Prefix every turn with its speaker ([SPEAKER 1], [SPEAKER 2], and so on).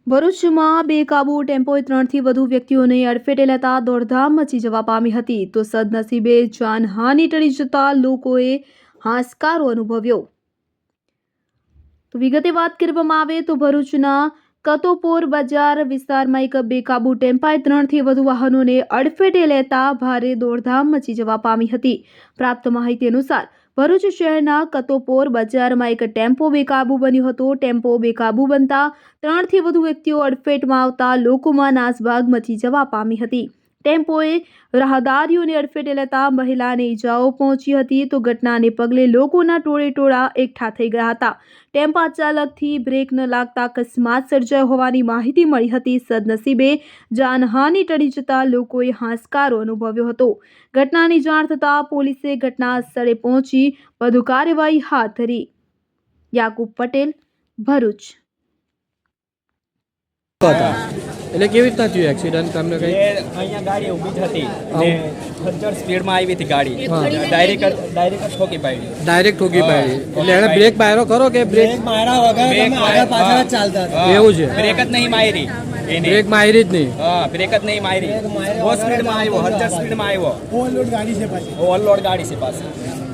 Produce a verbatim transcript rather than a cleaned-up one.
[SPEAKER 1] ભરૂચમાં બેકાબુ ટેમ્પોએ ત્રણથી વધુ વ્યક્તિઓને અડફેટે લેતા દોડધામ મચી જવા પામી હતી તો સદનસીબે જાનહાનિ ટળી જતા લોકોએ હાશકારો અનુભવ્યો। તો વિગતે વાત કરવામાં આવે તો ભરૂચના કતોપોર બજાર વિસ્તારમાં એક બેકાબુ ટેમ્પાએ ત્રણથી વધુ વાહનોને અડફેટે લેતા ભારે દોડધામ મચી જવા પામી હતી। પ્રાપ્ત માહિતી અનુસાર ભરૂચ શહેરના કતોપોર બજારમાં એક ટેમ્પો બેકાબુ બન્યો હતો। ટેમ્પો બેકાબુ બનતા ત્રણથી વધુ વ્યક્તિઓ અડફેટમાં આવતા લોકોમાં નાસભાગ મચી જવા પામી હતી। ટેમ્પોએ રાહદારીઓને અડફેટે લેતા મહિલાને ઈજાઓ પહોંચી હતી તો ઘટનાને પગલે લોકોના ટોળે ટોળા એકઠા થઈ ગયા હતા। ટેમ્પા ચાલકથી બ્રેક ન લાગતા અકસ્માત સર્જાયો હોવાની માહિતી મળી હતી। સદનસીબે જાનહાનિ ટળી જતા લોકોએ હાશકારો અનુભવ્યો હતો। ઘટનાની જાણ થતાં પોલીસે ઘટના સ્થળે પહોંચી વધુ કાર્યવાહી હાથ ધરી। યાકુબ પટેલ, ભરૂચ।
[SPEAKER 2] એટલે કેવી રીતના થયું એક્સિડન્ટ તમને કઈ?
[SPEAKER 3] અહીંયા ગાડી ઊભી જ હતી અને ખચ્ચર સ્પીડમાં આવી હતી ગાડી, ડાયરેક્ટ ડાયરેક્ટ ઠોકી પાડી
[SPEAKER 2] ડાયરેક્ટ ઠોકી પાડી એટલે એને બ્રેક માર્યો ખરો કે બ્રેક
[SPEAKER 4] માર્યા વગર તમે આગળ પાછળ જ ચાલતા હતા?
[SPEAKER 2] એવું છે?
[SPEAKER 3] બ્રેક જ નહીં મારી એને,
[SPEAKER 2] બ્રેક મારી જ નહીં?
[SPEAKER 3] હા, બ્રેક જ નહીં મારી, બહુ સ્પીડમાં આવ્યો, ખચ્ચર સ્પીડમાં આવ્યો,
[SPEAKER 4] ઓવરલોડ ગાડી છે પાછી,
[SPEAKER 3] ઓવરલોડ ગાડી છે પાછી।